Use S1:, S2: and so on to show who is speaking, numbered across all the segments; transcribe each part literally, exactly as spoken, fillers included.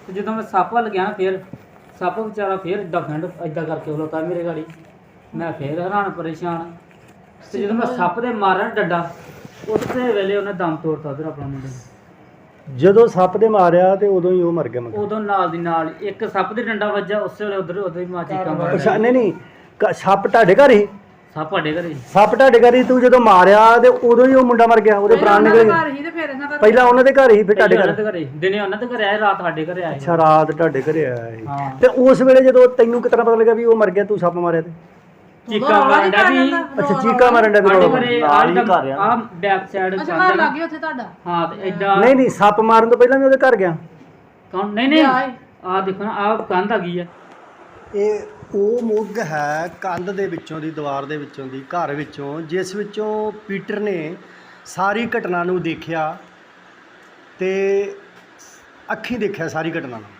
S1: ਤੇ ਜਦੋਂ ਮੈਂ ਸੱਪ ਵੱਲ ਗਿਆ ਨਾ ਫਿਰ ਸੱਪ ਵਿਚਾਰਾ ਫਿਰ ਏਦਾਂ ਫੈਂਡ ਏਦਾਂ ਕਰਕੇ ਖਲੋਤਾ ਮੇਰੇ ਗਾੜੀ। ਮੈਂ ਫਿਰ ਹੈਰਾਨ ਪਰੇਸ਼ਾਨ ਤੇ ਜਦੋਂ ਮੈਂ ਸੱਪ ਦੇ ਮਾਰਿਆ ਨਾ ਡੰਡਾ ਉਸੇ ਵੇਲੇ ਉਹਨੇ ਦਮ ਤੋੜਤਾ ਉਧਰ ਆਪਣਾ ਮੁੰਡੇ ਨੂੰ।
S2: ਜਦੋਂ ਸੱਪ ਦੇ ਮਾਰਿਆ ਤੇ ਉਦੋਂ ਹੀ ਉਹ ਮਰ ਗਿਆ ਮਗਰ।
S1: ਉਦੋਂ ਨਾਲ ਦੀ ਨਾਲ ਹੀ ਇੱਕ ਸੱਪ ਦੇ ਡੰਡਾ ਵੱਜਾ ਉਸੇ ਵੇਲੇ ਉਧਰ ਉਦੋਂ ਹੀ ਮਾਂ ਚੀਕਾਂ ਮਾਰ
S2: ਅੱਛਾ ਨਹੀਂ ਨਹੀਂ ਕ- ਸੱਪ ਤੁਹਾਡੇ ਘਰ ਹੀ
S1: ਸੱਪ ਸਾਡੇ ਘਰੇ
S2: ਸੱਪ ਤੁਹਾਡੇ ਘਰ ਹੀ ਤੂੰ ਜਦੋਂ ਮਾਰਿਆ ਤੇ ਉਦੋਂ ਹੀ ਉਹ ਮੁੰਡਾ ਮਰ ਗਿਆ ਉਹਦੇ ਪ੍ਰਾਣ ਨਿਕਲ ਗਏ। ਪਹਿਲਾਂ ਉਹਨਾਂ ਦੇ ਘਰ ਹੀ ਫਿਰ ਤੁਹਾਡੇ
S1: ਉਹਨਾਂ
S2: ਘਰ।
S1: ਦੇ ਘਰੇ ਦਿਨੇ ਉਹਨਾਂ ਦੇ ਘਰੇ ਆਏ ਰਾਤ ਸਾਡੇ ਘਰੇ ਆਏ।
S2: ਅੱਛਾ ਰਾਤ ਤੁਹਾਡੇ ਘਰੇ ਆਇਆ ਸੀ।
S1: ਹਾਂ
S2: ਤੇ ਉਸ ਵੇਲੇ ਜਦੋਂ ਤੈਨੂੰ ਕਿਤਨਾ ਪਤਾ ਲੱਗਾ ਵੀ ਉਹ ਮਰ ਗਿਆ ਤੂੰ ਸੱਪ ਮਾਰਿਆ ਤੇ?
S1: ਚੀਕਾਂ ਮਾਰਨ ਡਿਆ ਵੀ
S2: ਅੱਛਾ ਚੀਕਾ ਮਾਰਨ ਦਾ ਵੀ
S1: ਸਾਡੇ
S2: ਰੌਲਾ।
S1: ਘਰੇ ਆ ਆ ਬੈਕ ਸਾਈਡ
S3: ਅੱਛਾ ਘਰ ਲੱਗ ਗਿਆ ਉੱਥੇ ਤੁਹਾਡਾ।
S1: ਹਾਂ ਤੇ ਏਦਾਂ
S2: ਨਹੀਂ ਨਹੀਂ ਸੱਪ ਮਾਰਨ ਤੋਂ ਪਹਿਲਾਂ ਵੀ ਉਹਦੇ ਘਰ ਗਿਆ।
S1: ਕੌਣ ਨਹੀਂ ਨਹੀਂ ਆ ਦੇਖੋ ਨਾ ਆ ਕੰਧ ਆ ਗਈ ਆ।
S2: ਇਹ ਉਹ ਮੁੱਗ ਹੈ ਕੰਧ ਦੇ ਵਿੱਚੋਂ ਦੀ ਦੀਵਾਰ ਦੇ ਵਿੱਚੋਂ ਦੀ ਘਰ ਵਿੱਚੋਂ ਜਿਸ ਵਿੱਚੋਂ ਪੀਟਰ ਨੇ ਸਾਰੀ ਘਟਨਾ ਨੂੰ ਦੇਖਿਆ ਤੇ ਅੱਖੀਂ ਦੇਖਿਆ ਸਾਰੀ ਘਟਨਾ ਨੂੰ।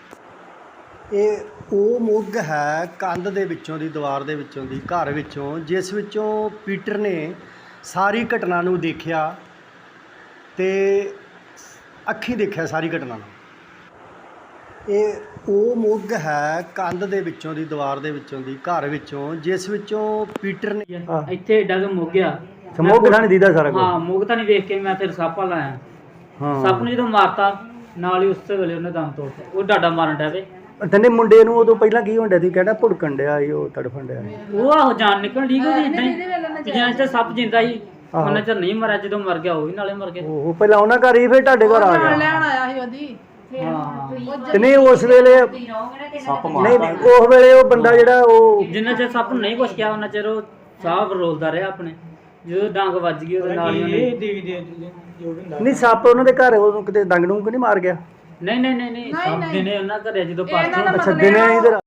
S2: ਇਹ ਉਹ ਮੁੱਗ ਹੈ ਕੰਧ ਦੇ ਵਿੱਚੋਂ ਦੀ ਦੀਵਾਰ ਦੇ ਵਿੱਚੋਂ ਦੀ ਘਰ ਵਿੱਚੋਂ ਜਿਸ ਵਿੱਚੋਂ ਪੀਟਰ ਨੇ ਸਾਰੀ ਘਟਨਾ ਨੂੰ ਦੇਖਿਆ ਤੇ ਅੱਖੀਂ ਦੇਖਿਆ ਸਾਰੀ ਘਟਨਾ ਨੂੰ। ਇਹ ਉਹ ਮੁੱਗ ਹੈ ਕੰਧ ਦੇ ਵਿੱਚੋਂ ਦੀ ਦੀਵਾਰ ਦੇ ਵਿੱਚੋਂ ਦੀ ਘਰ ਵਿੱਚੋਂ ਜਿਸ ਵਿੱਚੋਂ ਪੀਟਰ ਨੇ
S1: ਇੱਥੇ ਏਡਾ ਕੁ ਮੁੱਕ ਗਿਆ।
S2: ਸਮੋਗ ਨਹੀਂ ਦੀਦਾ ਸਾਰਾ ਕੁਝ।
S1: ਹਾਂ ਮੁੱਕ ਤਾਂ ਨਹੀਂ ਵੇਖ ਕੇ ਮੈਂ ਫਿਰ ਸੱਪ ਵੱਲ ਆਇਆ।
S2: ਹਾਂ
S1: ਸੱਪ ਨੂੰ ਜਦੋਂ ਮਾਰਤਾ ਨਾਲ ਹੀ ਉਸੇ ਵੇਲੇ ਉਹਨੇ ਦਮ ਤੋੜਤਾ। ਉਹ ਡਾਡਾ ਮਾਰਨ ਡਿਆ ਵੇ।
S2: ਤੈਨੇ ਮੁੰਡੇ ਨੂੰ ਉਦੋਂ ਪਹਿਲਾਂ ਕੀ ਹੁੰਦਾ ਸੀ ਕਹਿੰਦਾ ਭੁੜਕਣ ਡਿਆ ਸੀ ਉਹ ਤੜਫਣ ਡਿਆ ਸੀ।
S1: ਉਹ ਆਹੋ ਜਾਨ ਨਿਕਲ ਠੀਕ ਉਹਦੀ ਇਦਾਂ ਹੀ ਜਿਵੇਂ ਚ ਸੱਪ ਜਿੰਦਾ ਸੀ
S2: ਆਹੋ।
S1: ਉਹਨਾਂ ਚ ਨਹੀਂ ਮਰਿਆ ਜਦੋਂ ਮਰ ਗਿਆ ਉਹ ਵੀ ਨਾਲੇ ਮਰ ਗਿਆ।
S2: ਉਹ ਪਹਿਲਾਂ ਉਹਨਾਂ ਘਰ ਹੀ ਫਿਰ ਤੁਹਾਡੇ ਘਰ ਆ
S3: ਨਾਲ
S2: ਗਿਆ।
S3: ਲੈਣ ਆਇਆ ਸੀ ਉਹਦੀ।
S1: ਹਾਂ
S2: ਤੇ ਨਹੀਂ ਉਸ ਵੇਲੇ ਨਹੀਂ ਨਹੀਂ ਉਸ ਵੇਲੇ ਉਹ ਬੰਦਾ ਜਿਹੜਾ ਉਹ
S1: ਜਿੰਨਾ ਚਿਰ ਸੱਪ ਨੂੰ ਨਹੀਂ ਕੁਛ ਕਿਹਾ ਉਹਨਾਂ ਚਿਰ ਉਹ ਸਾਹ ਰੋਲਦਾ ਰਿਹਾ ਆਪਣੇ। ਜਦੋਂ ਡਾਂਗ ਵੱਜ ਗਈ ਉਹਦੇ ਨਾਲ ਹੀ ਉਹਨੇ
S2: ਨਹੀਂ ਸੱਪ ਉਹਨਾਂ ਦੇ ਘਰ ਉਹਨੂੰ ਕਿਤੇ ਡੰਗ ਡੂੰਗ ਨਹੀਂ ਮਾਰ ਗਿਆ।
S1: ਨਹੀਂ ਨਹੀਂ ਨਹੀਂ ਨਹੀਂ ਸੱਪ ਦਿਨੇ ਉਹਨਾਂ ਘਰੇ ਜਦੋਂ ਪਾਸ
S2: ਅੱਛਾ ਦਿਨੇ ਇਧਰ